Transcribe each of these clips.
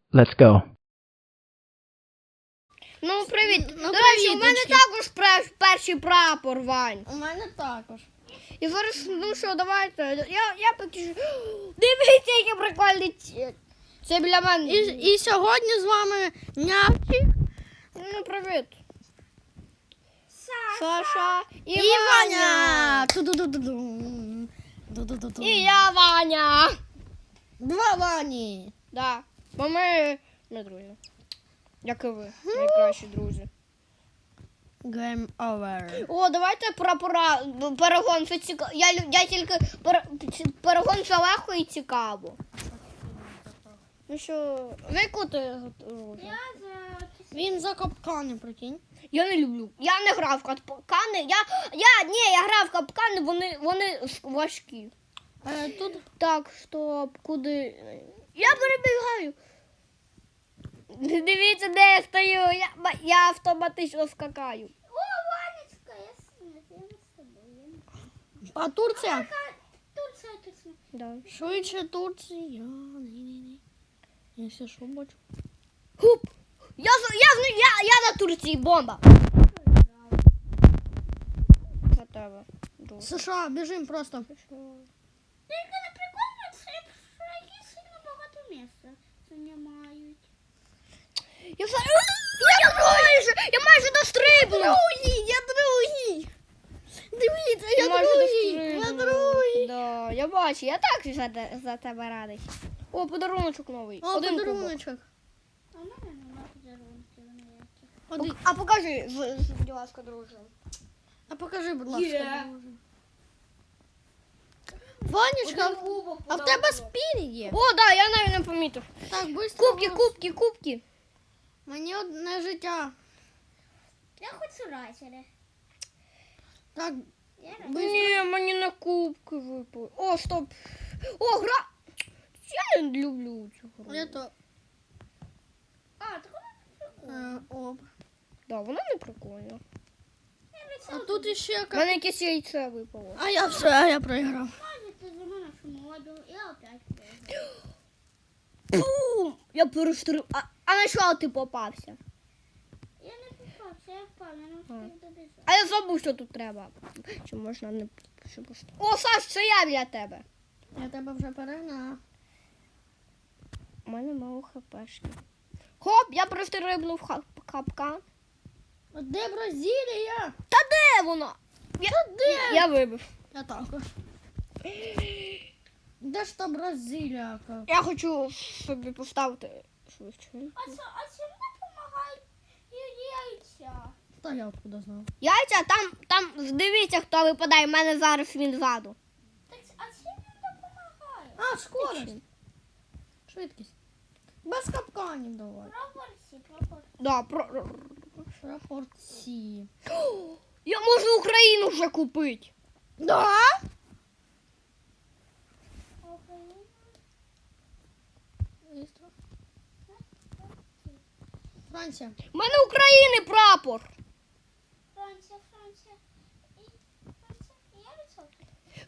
Let's go. Ну, привіт. Ну, До речі, у мене привіточки. також перший прапор, Вань. У мене також. І зараз, ну що, давайте. Я поки що... Дивіться, який прикольний це біля мене. І сьогодні з вами Нявчик Ну, привіт. Саша і, і Ваня. Ту-ду-ду-ду-ду. Ду-ду-ду-ду. І я, Ваня. Два Вані. Да. Бо ми друзі. Як і ви, найкращі друзі. Game over. О, давайте прапора, перегон, це цікаво. Я тільки, перегон це легко і цікаво. Ну що, на яку ти готуєш? Він за капкани, прикинь. Я не люблю. Я не грав в капкани. Я грав в капкани, вони важкі. Тут Так, стоп, куди? Я перебігаю. Дивіться, де я стою. Я автоматично скакаю. О, Ванечка, я с тобой. а Турція? Турция. Да. Швидше Турція. Ні. Я все що бачу. Хуп! Я на Турції, бомба. На тебе. друг. США, біжим просто. Тільки не прикольно, що які сильно багато місця займають. Я майже дострибнув. Я другий. Дивіться, я другий. Да, я бачу, я так за тебе радий. О, подаруночок новий. О, Один кубок. подаруночок. А в мене нема подарунків ніяких. Один. А покажи, будь ласка, друже. А покажи, будь ласка. Є. друже. Ванечка, кубок а в тебе спін є? О, да, я навіть не помітив. Так, быстро. Кубки. Мені одне життя. Я хочу райсери. Так, Я Ні, мені на кубки випали. О, стоп. О, гра. Я не люблю цю гру. я то. А, так вона Оп. Да, вона не прикольна. А тут іще У мене якесь яйце випало. А я все, я проіграв. Ты за мене шмодил, я опять выиграл. Бум! Я перестриб. А на що ти попався? Я не попався, я впав, я не встиг добіжати. А я забув, що тут треба. Чи можна не... Що просто... О, Саш, це я біля тебе. Я тебе вже перегнав. У мене мало хпшки. Хоп, я перестрибнув капкан. А де Бразилія? Та де вона? Я вибив. Я також. Де ж та Бразилія? Я хочу собі поставити швидше. А чим не допомагають яйця? Та я откуда знав. Яйця, там дивіться, хто випадає. У мене зараз він ззаду. Так, а чим він допомагає? А, скорость. Швидкість. Без капканів давай. Пропорції. Да, Пропорції. Я можу Україну вже купити. Да? Быстро. Франція. У мене України прапор. Франція. І я відсотки.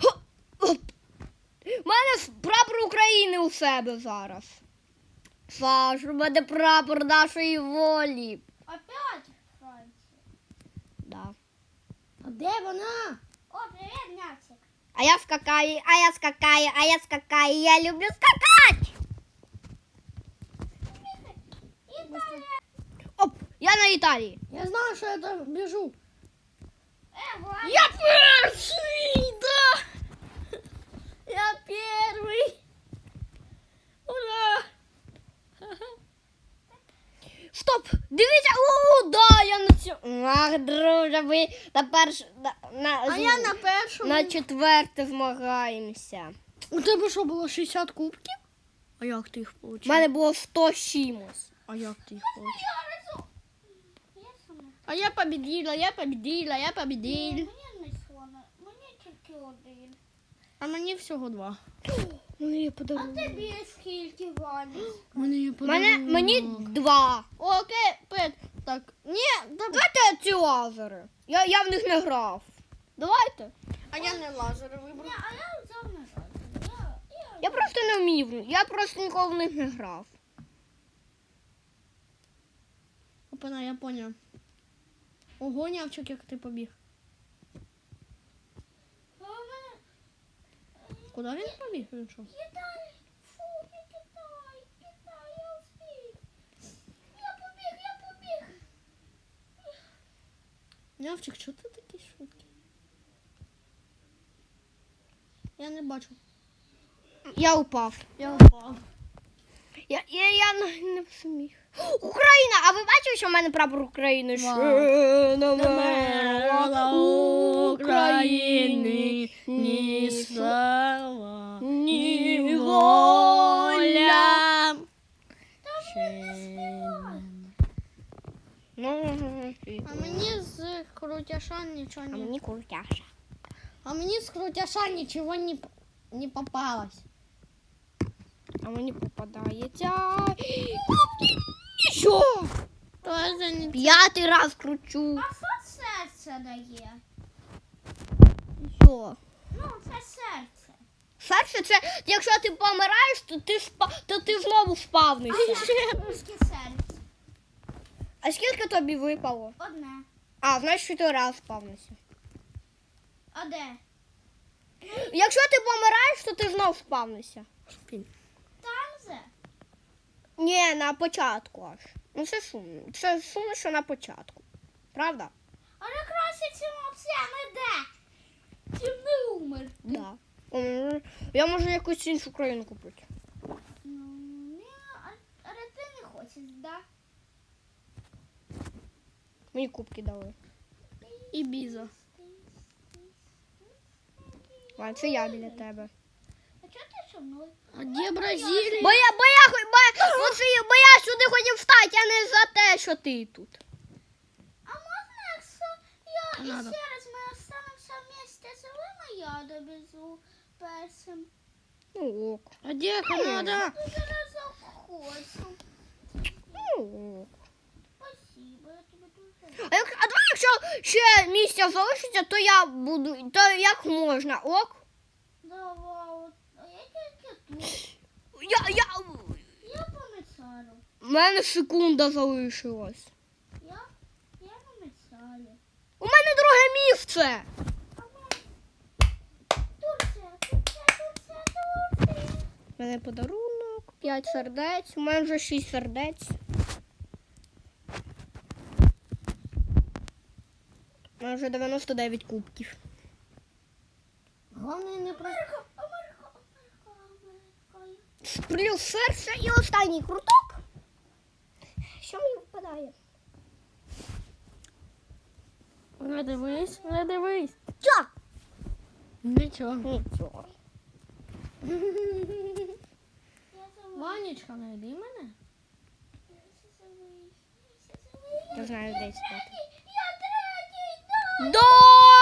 У мене прапор України у себе зараз. Саш, у мене прапор нашої волі. Опять Франція. Да. А де вона? О, привіт, Няцик. А я скакаю. Я люблю скакати. Італія. Оп, я на Італії. Я знаю, що я там біжу. Ваня. Я перший, да. Я перший. Ура! Стоп, дивіться, да, я на цьому. Ах, друже, ви А я на першому. на четверте змагаємося. У тебе що, було 60 кубків? А як ти їх У отримав? мене було 100 чимось. А як ти їх отримав? Я сама. А я победила. Мені не слона. Мені тільки один. А мені всього 2. Ну, я А подарую. тобі скільки, Ваня? Мені 2. Окей, Пет. Так. Ні, давай. Давайте ці лазери. Я в них не грав. Давайте. А я не лазери вибрав. Ні, а я взяв на жаль. Я просто не вмів. Я просто ніколи в них не грав. Опана, я поняв. Ого, нявчик, як ти побіг. А у мене Куди він побіг? Він що? Китай. Фу, не Китай. Китай, я встиг. Я побіг. Нявчик, чого ти такий швидкий? Я не бачу. Я упав. Я впав. Я не зміг. Україна! А ви бачили, що в мене прапор України? Вау. Ще не Мерла України, ні слава, ні воля. Ну, А мені з крутяша нічого а не... мені крутяша. А мені з крутяша нічого не попалось. А мені попадається. Що? Тоже не... 5-й раз кручу. А що серце дає? Що? Ну, це серце. Перше, це якщо ти помираєш, то ти знову спавнишся. Скільки серце? А скільки тобі випало? Одне. А, значить, 4 раз спавнишся. А де? Якщо ти помираєш, то ти знов спавнишся. Там же? Ні, на початку аж. Ну це сумно. Це сумно, що на початку. Правда? Але краще, чим взагалі де? Чим не умер. Да. Я можу якусь іншу країну купити. Ну, ні, але ти не хочеш, да? Мені кубки дали. І біза. А це я біля тебе. А чого ти зі мною? А де Бразилія? Бо я сюди хотів встати, а не за те, що ти тут. А можна, якщо я Надо. ще раз ми останемося вместе з вами, я довезу першим. Ну ок. А де Канада? Дуже разок хочу. Ну ок. Спасибо, я тебе дуже. А давай, якщо ще місця залишиться, то я буду. То як можна, ок? Давай, а я тільки тут. Я... Я помицаю. У мене секунда залишилась. Я помицаю. У мене друге місце. Турція. У мене подарунок, 5 сердець, у мене вже 6 сердець. У мене вже 99 кубків. Головне не про... Америка. Плюс серце і останній круток. Що мені випадає? Не дивись, не дивись. Що? Нічого. Нічого. Я забула. Ванечка, знайди мене. Я знаю, де спати. Я третій, да! Да!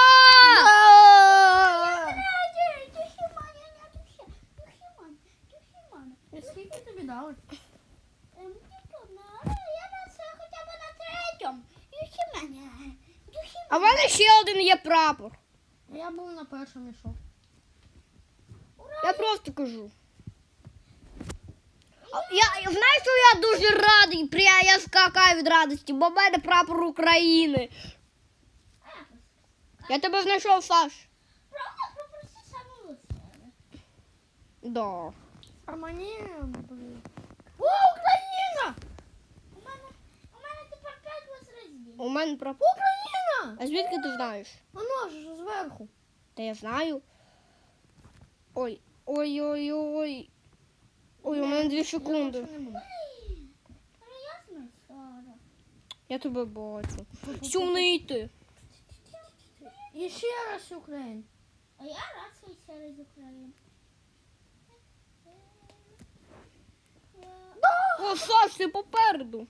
Третій, Дюхіманя, не Дюхіманя. І скільки тобі дали? Я на це хоча б на третьому. Дюхіманя. А в мене ще один є прапор. Я був на першому ішов. Я просто кажу. Знаєш, що я дуже радий, я скакаю від радості, бо в мене прапор України. Я тебе знайшов, Саш. Правда, попроси самого себе. Да. А мені... О, Україна! У мене тепер 5 возрождень. У мене прапор. Україна! А звідки ти знаєш? Воно ж зверху. Та я знаю. Ой, ой. Ой, у мене 2 секунди. Більше не буду. Але я знайшла. Я тебе бачу. Сумний ти. І ще раз Україна. А я рад, що через Україну. О, Саш, ти попереду.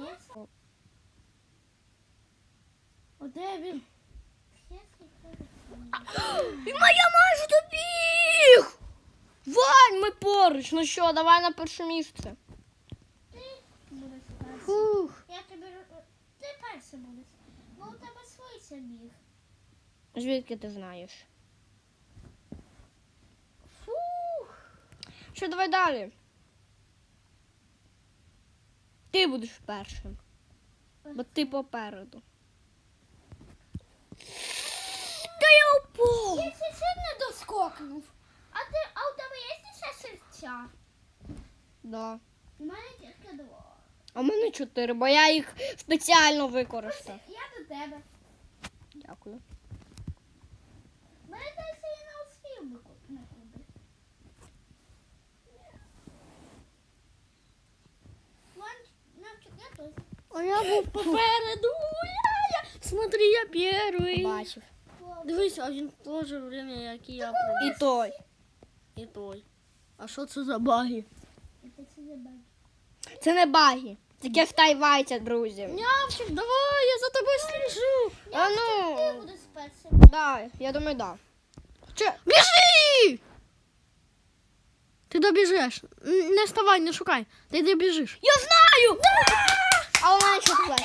О, де він? І я майже добіг. Вань, ми поруч. Ну що, давай на перше місце. Будеш перший. Фух. Я тобі... Ти перший будеш. Бо у тебе швидше біг. Звідки ти знаєш? Фух. Що, давай далі. Ти будеш першим. Бо ти попереду. Та я упав! Я ще не доскокнув. А у тебе є ще серця? Да. У мене тільки 2. А в мене 4, бо я їх спеціально використав. Я до тебе. Дякую. Мене десь я не успів би на куби. Навчик, я тут. А я був попереду. Смотри, я перший. Бачив. Дивись, а він теж время, як і я І пробіг. той. І той. А що це за баги? Це забавно. Це не баги. Таке втайвайте, друзі. Нявчик, давай, я за тобою слежу. А Я ну, буду спеціально. да, я думаю, да. Чи... Біжи! Ти добіжиш. Не вставай, не шукай. Ти добіжиш. Я знаю! А у мене що плеться?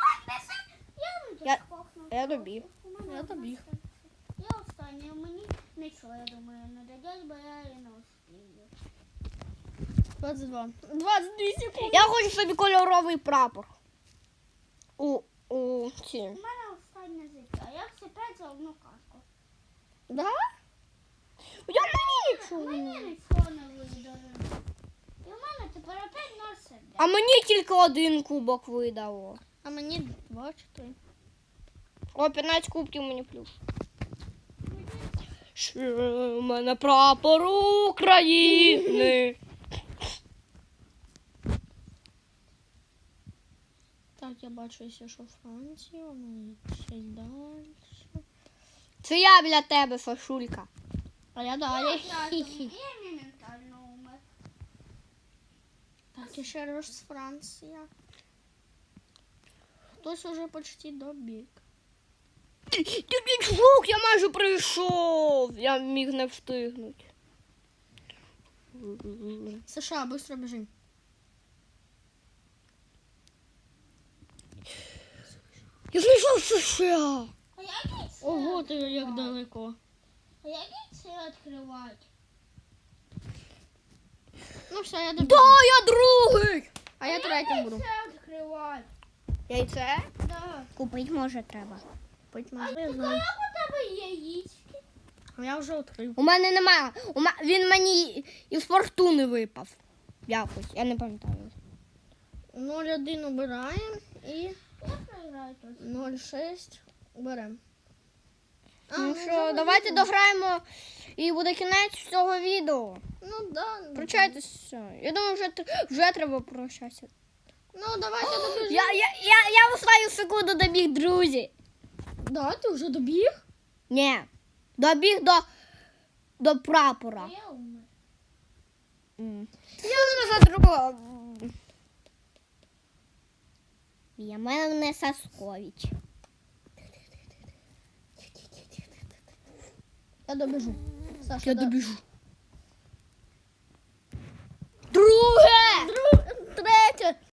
Я- я добіг. Я добіг. Я останній, мені нічого, я думаю, не дадять, бо я і не успію. 22. 22 секунди. Я хочу собі кольоровий прапор. У ці. У мене останнє життя. Я все 5 за одну картку. Да? Я мені нічого. Мені не- нічого не видали. І в мене тепер опять 0 сердець. А мені тільки один кубок видало. А мені 2 чи 3. О, 15 кубків мені плюс. Ще в мене прапор України. Так, я бачу, якщо що Франція, у мене ще й далі. Це я біля тебе, Сашулька. А я далі. Я моментально умер. Так, і ще раз Франція. Хтось уже почти добіг. Ти піджук, я майже прийшов. Я міг не встигнути. США, швидко біжи. Я знайшов США. А як це? Ого, ти як далеко. А як це відкривати? Ну все, я добіг. Да, я другий. А я третім буду. Це відкривати. Яйце? Да. Купити може треба. Будь А моя, я як знаю. у тебе є яєчки? Я вже відкрив. У мене немає. Він мені із фортуни випав. Якось, я не пам'ятаю. 0,1 обираємо і Я програю тут. 0,6 беремо. Ну що, давайте дограємо і буде кінець цього відео. Ну да. Прощайтеся. Я думаю, вже треба прощатися. Ну давайте добіжимо. Я останню секунду добіг, друзі. Да, ти вже добіг? Ні. Добіг до прапора. А я умер. Я вже за другого. Я мене Саскович. Я добіжу. Саша, Я добіжу.